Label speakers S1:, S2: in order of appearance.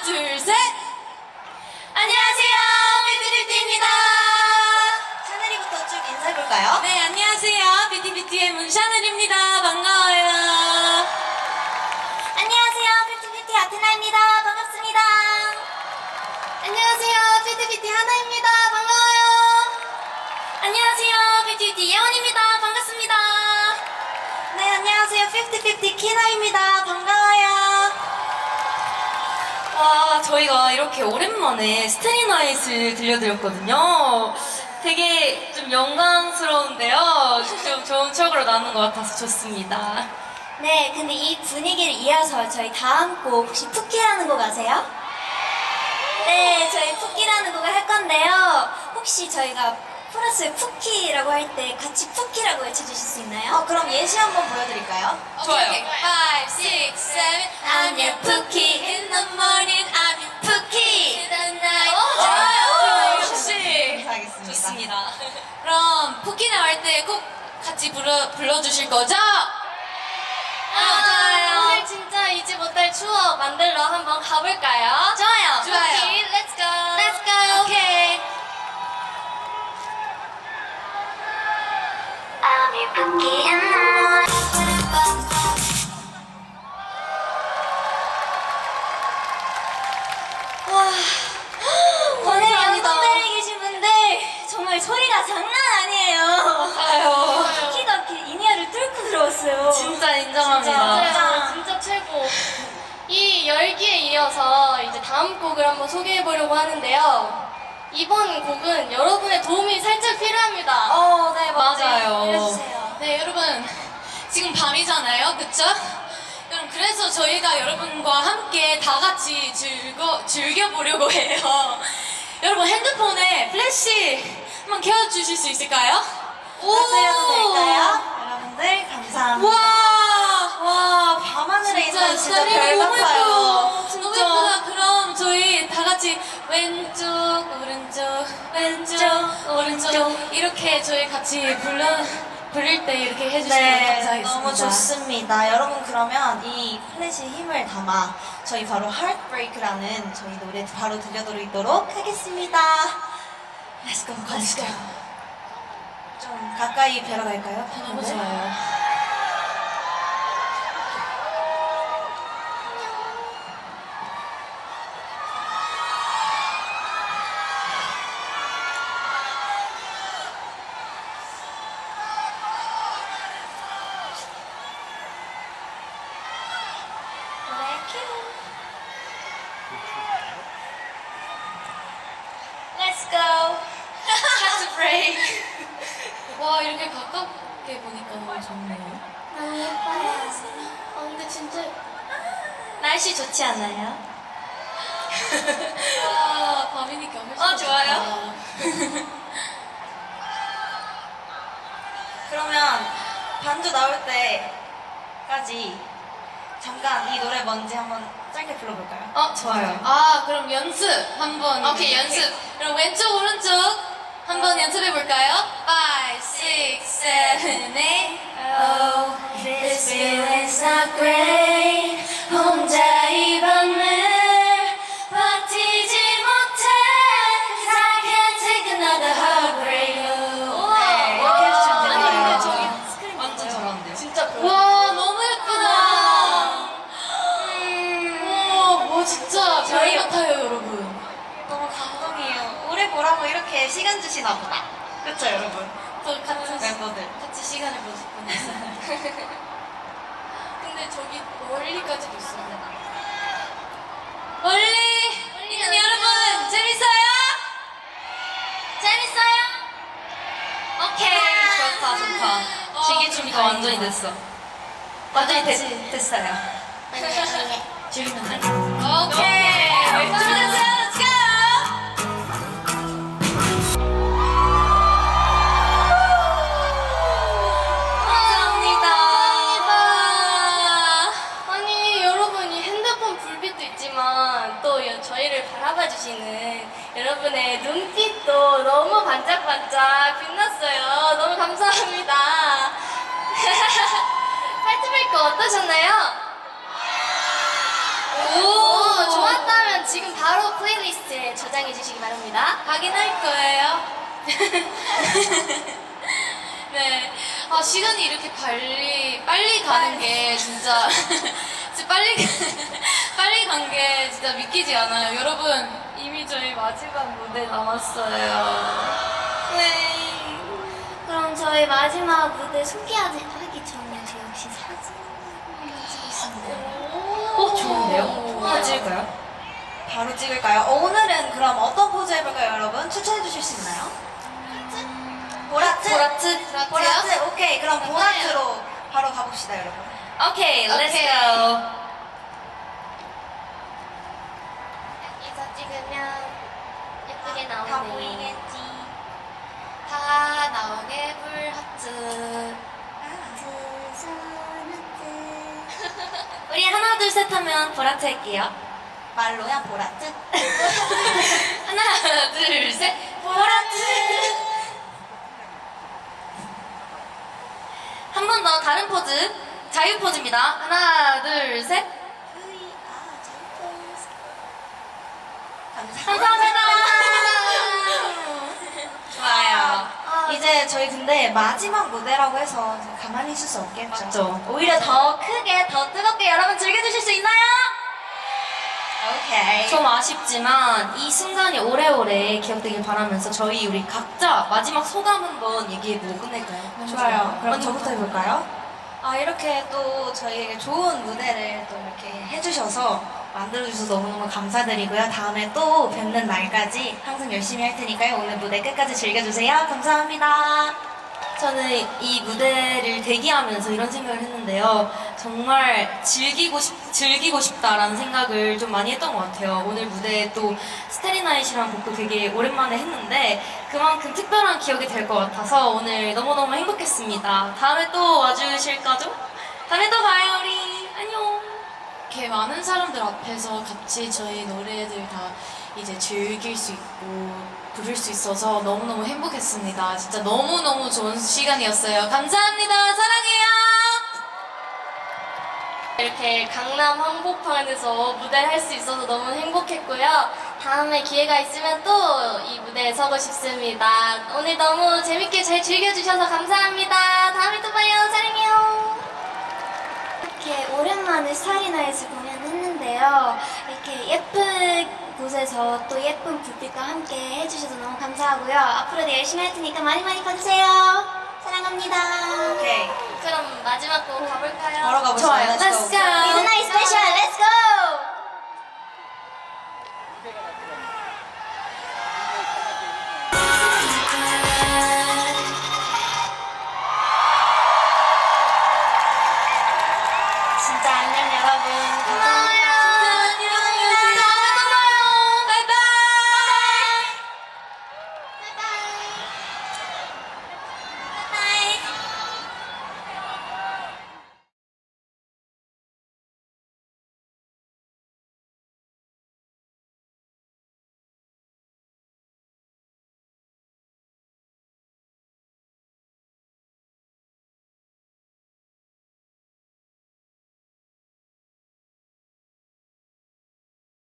S1: 둘, 셋! 안녕하세요, 뷰티뷰티입니다.
S2: 샤넬이부터 쭉 인사해볼까요?
S1: 네, 안녕하세요. 뷰티뷰티의 문샤넬입니다. 반가워요.
S2: 안녕하세요, 뷰티뷰티 아테나입니다. 반갑습니다.
S1: 안녕하세요, 뷰티뷰티 하나입니다. 반가워요. 안녕하세요, 뷰티뷰티 예원입니다. 반갑습니다.
S2: 네, 안녕하세요, 뷰티뷰티 키나입니다. 반가워요.
S1: 와, 저희가 이렇게 오랜만에 스테이나잇을 들려드렸거든요. 되게 좀 영광스러운데요. 좀 좋은 추억으로 남는 것 같아서 좋습니다.
S2: 네, 근데 이 분위기를 이어서 저희 다음 곡 혹시 푸키라는 곡 아세요? 네, 저희 푸키라는 곡을 할 건데요. 혹시 저희가 코러스에 푸키라고 할 때 같이 푸키라고 외쳐주실 수 있나요? 그럼 예시 한번 보여드릴까요?
S1: 좋아요. 5, 6, 7 I'm your Pookie in the morning I'm your Pookie in the night 좋아요. 역시
S2: 감사하겠습니다.
S1: 좋습니다. 그럼 푸키 나올 때 꼭 같이 불러주실 거죠? 좋아요.
S3: 오늘 진짜 잊지 못할 추억 만들러 한번 가볼까요?
S1: 좋아요.
S3: 푸키, let's go.
S1: Let's go.
S3: 오케이.
S2: I'll be Pookie in the morning. 와, 오늘
S1: 감사합니다.
S2: 연습대에 계신 분들 정말 소리가 장난 아니에요.
S1: 아유.
S2: 푸키가 이렇게 인이어를 뚫고 들어왔어요.
S1: 진짜 인정합니다.
S3: 맞아요. 진짜 최고. 이 열기에 이어서 이제 다음 곡을 한번 소개해보려고 하는데요. 이번 곡은 여러분의 도움이 살짝 필요합니다.
S2: 네,
S1: 맞아요.
S2: 알려주세요.
S1: 네, 여러분. 지금 밤이잖아요. 그쵸? 여러분, 그래서 저희가 여러분과 함께 다 같이 즐겨보려고 해요. 여러분, 핸드폰에 플래시 한번 켜주실 수 있을까요?
S2: 부탁드려도 될까요? 여러분들 감사합니다.
S1: 와,
S2: 밤하늘에 있는 진짜
S1: 스타일이
S2: 별
S1: 너무
S2: 같아요.
S1: 예뻐요.
S2: 진짜.
S1: 너무 예쁘다. 그럼 저희 다 같이 왼쪽, 오른쪽, 왼쪽, 오른쪽 이렇게 저희 같이 부를 때 이렇게 해주시면
S2: 네,
S1: 감사하겠습니다.
S2: 너무 좋습니다. 여러분 그러면 이 플래시에 힘을 담아 저희 바로 Heartbreak라는 저희 노래 바로 들려드리도록 하겠습니다.
S1: Let's go,
S2: Let's go. 좀 가까이 뵈러 갈까요?
S1: 너무
S2: 네.
S1: 좋아요.
S2: 노래 큐. Let's go.
S1: Catch a break. 와, 이렇게 가깝게 보니까 너무 좋네요.
S3: 너무 예뻐요. 근데 진짜
S2: 날씨 좋지 않아요?
S1: 와, 밤이니까 훨씬
S2: 좋아요.
S1: 좋다.
S2: 그러면 반주 나올 때까지 잠깐 이 노래 뭔지 한번 짧게 불러볼까요?
S1: 좋아요. 그럼 연습 한번. 오케이, 연습. 그럼 왼쪽, 오른쪽 한번 연습해 볼까요? 5, 6, 7, 8.
S2: Oh, this feeling's not great. 혼자 이 밤을 버티지 못해. 'Cause I can't take another heartbreak. 네, 이렇게 해주시면 되는
S1: 아니,
S2: 거예요.
S1: 근데 저기 스크린 완전 잘하는데요.
S3: 진짜
S1: 와, 너무 예쁘다. 와, 진짜
S2: 저희-
S1: 별 같아요, 여러분.
S2: 너무 감동이에요. 오래 보라고 이렇게 시간 주시나 보다. 그쵸, 여러분?
S1: 또 같은
S2: 멤버들.
S1: 같이 시간을 보냈어요. 근데 저기 멀리까지도 있어요. 멀리 있는 여러분 재밌어요? 재밌어요? 오케이, 좋다 좋다. 시기 준비가 완전히 됐어. 완전히 됐어요. 즐기면 오케이, 준비됐어요. Let's go. 감사합니다.
S3: 아니 여러분 이 핸드폰 불빛도 있지만 또 저희를 바라봐주시는 여러분의 눈빛도 너무 반짝반짝 빛났어요. 너무 감사합니다. 하트브레이크 어떠셨나요?
S1: 오,
S3: 좋았다면 지금
S2: 입장해 주시기 바랍니다.
S1: 확인할 거예요. 네. 아, 시간이 이렇게 빨리 가는 게 진짜, 진짜 빨리 간 게 진짜 믿기지 않아요. 여러분, 이미 저희 마지막 무대 남았어요.
S2: 네. 그럼 저희 마지막 무대 소개하기 전에 저 역시 사진 한번 찍겠습니다.
S1: 좋은데요?
S4: 하나 찍을까요? 바로 찍을까요? 오늘은 그럼 어떤 포즈 해볼까요, 여러분? 추천해 주실 수 있나요? 보라트? 보라트? 오케이, 그럼 보라트로 바로 가봅시다, 여러분.
S2: 오케이, let's
S1: 오케이.
S2: go.
S3: 여기서 찍으면 예쁘게
S4: 다
S3: 나오네.
S4: 보이겠지?
S1: 다 나오게 불하트.
S2: 우리 하나 둘 셋 하면 보라트 할게요.
S4: 말로야, 보라트?
S1: 하나, 둘, 셋.
S2: 보라트. 한 번 더 다른 포즈. 자유 포즈입니다. 하나 둘 셋. 감사합니다.
S4: 좋아요. 이제 저희 근데 마지막 무대라고 해서 가만히 있을 수 없겠죠?
S1: 맞죠.
S2: 오히려 더 크게 더 뜨겁게 여러분 즐겨주실 수 있나요?
S4: 오케이.
S5: 좀 아쉽지만 이 순간이 오래오래 기억되길 바라면서 우리 각자 마지막 소감 한번 얘기해보고 끝낼까요?
S4: 좋아요. 그럼
S5: 언니
S4: 저부터 해볼까요? 이렇게 또 저희에게 좋은 무대를 또 이렇게 해주셔서 만들어주셔서 너무너무 감사드리고요. 다음에 또 뵙는 날까지 항상 열심히 할 테니까요. 오늘 무대 끝까지 즐겨주세요. 감사합니다.
S5: 저는 이 무대를 대기하면서 이런 생각을 했는데요. 정말 즐기고 싶다라는 생각을 좀 많이 했던 것 같아요. 오늘 무대에 또 스테리나잇이라는 곡도 되게 오랜만에 했는데 그만큼 특별한 기억이 될 것 같아서 오늘 너무너무 행복했습니다. 다음에 또 와주실 거죠? 다음에 또 봐요, 우리. 안녕.
S1: 이렇게 많은 사람들 앞에서 같이 저희 노래들 다 이제 즐길 수 있고 부를 수 있어서 너무너무 행복했습니다. 진짜 너무너무 좋은 시간이었어요. 감사합니다. 사랑해요.
S3: 이렇게 강남 한복판에서 무대를 할 수 있어서 너무 행복했고요. 다음에 기회가 있으면 또 이 무대에 서고 싶습니다. 오늘 너무 재밌게 잘 즐겨주셔서 감사합니다. 다음에 또 봐요. 사랑해요.
S2: 이렇게 오랜만에 스타리나잇을 공연했는데요. 이렇게 예쁜 곳에서 또 예쁜 불빛과 함께 해주셔서 너무 감사하고요. 앞으로도 열심히 할 테니까 많이 많이 봐주세요. 사랑합니다.
S4: 오케이.
S3: 그럼 마지막 곡 가볼까요?
S4: 바로 가보시죠.
S5: 좋아요.
S4: Let's go.
S5: Let's go.
S2: 미드나잇 스페셜 렛츠고!